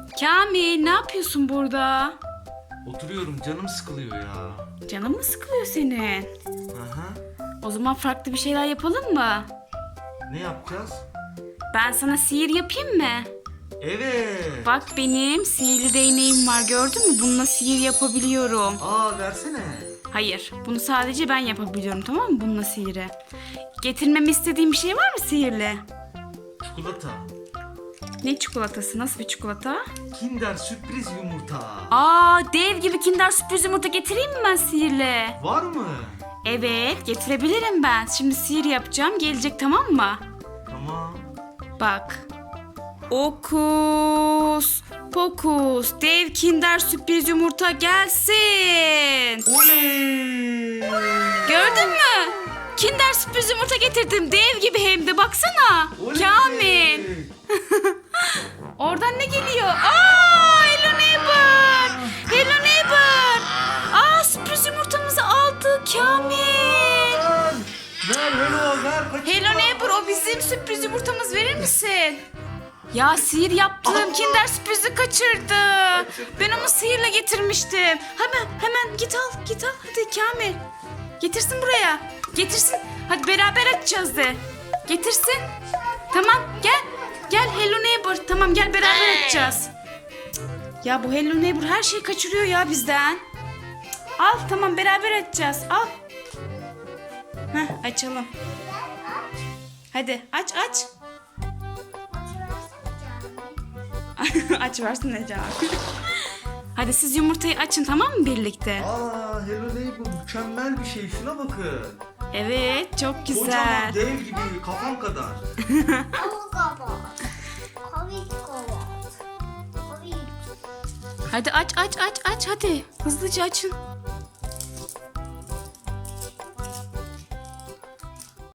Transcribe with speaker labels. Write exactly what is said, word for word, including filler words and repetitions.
Speaker 1: Kamil, ne yapıyorsun burada?
Speaker 2: Oturuyorum, canım sıkılıyor ya.
Speaker 1: Canın mı sıkılıyor senin?
Speaker 2: Aha.
Speaker 1: O zaman farklı bir şeyler yapalım mı?
Speaker 2: Ne yapacağız?
Speaker 1: Ben sana sihir yapayım mı?
Speaker 2: Evet.
Speaker 1: Bak, benim sihirli değneğim var, gördün mü? Bununla sihir yapabiliyorum.
Speaker 2: Aa, versene.
Speaker 1: Hayır, bunu sadece ben yapabiliyorum, tamam mı? Bununla sihiri. Getirmemi istediğin bir şey var mı sihirli?
Speaker 2: Çikolata.
Speaker 1: Ne çikolatası? Nasıl bir çikolata?
Speaker 2: Kinder sürpriz yumurta.
Speaker 1: Aa, dev gibi Kinder sürpriz yumurta getireyim mi ben sihirli?
Speaker 2: Var mı?
Speaker 1: Evet, getirebilirim ben. Şimdi sihir yapacağım, gelecek, tamam mı?
Speaker 2: Tamam.
Speaker 1: Bak. Okus pokus, dev Kinder sürpriz yumurta gelsin.
Speaker 2: Oley!
Speaker 1: Gördün mü? Kinder sürpriz yumurta getirdim. Dev gibi hem de, baksana.
Speaker 2: Oley!
Speaker 1: Kamil. Oradan ne geliyor? Aa, Hello Neighbor. Hello Neighbor. Aa, sürpriz yumurtamızı aldı Kamil.
Speaker 2: Ver hello ver. Kaçırma.
Speaker 1: Hello Neighbor, o bizim sürpriz yumurtamız, verir misin? Ya sihir yaptım. Kinder sürprizi kaçırdı. Ben onu sihirle getirmiştim. Hemen hemen git al git al. Hadi Kamil. Getirsin buraya. Getirsin. Hadi beraber açacağız de. Getirsin. Tamam gel. Gel Hello Neighbor. Tamam gel beraber açacağız. Ya bu Hello Neighbor her şeyi kaçırıyor ya bizden. Al tamam, beraber açacağız. Al. Heh, açalım. Hadi aç aç. Aç versene Can. Hadi siz yumurtayı açın, tamam mı, birlikte?
Speaker 2: Aa, hello neighbor, mükemmel bir şey. Şuna bakın.
Speaker 1: Evet, çok güzel.
Speaker 2: Kocaman dev gibi, kafam kadar.
Speaker 1: Hadi aç aç aç aç hadi. Hızlıca açın.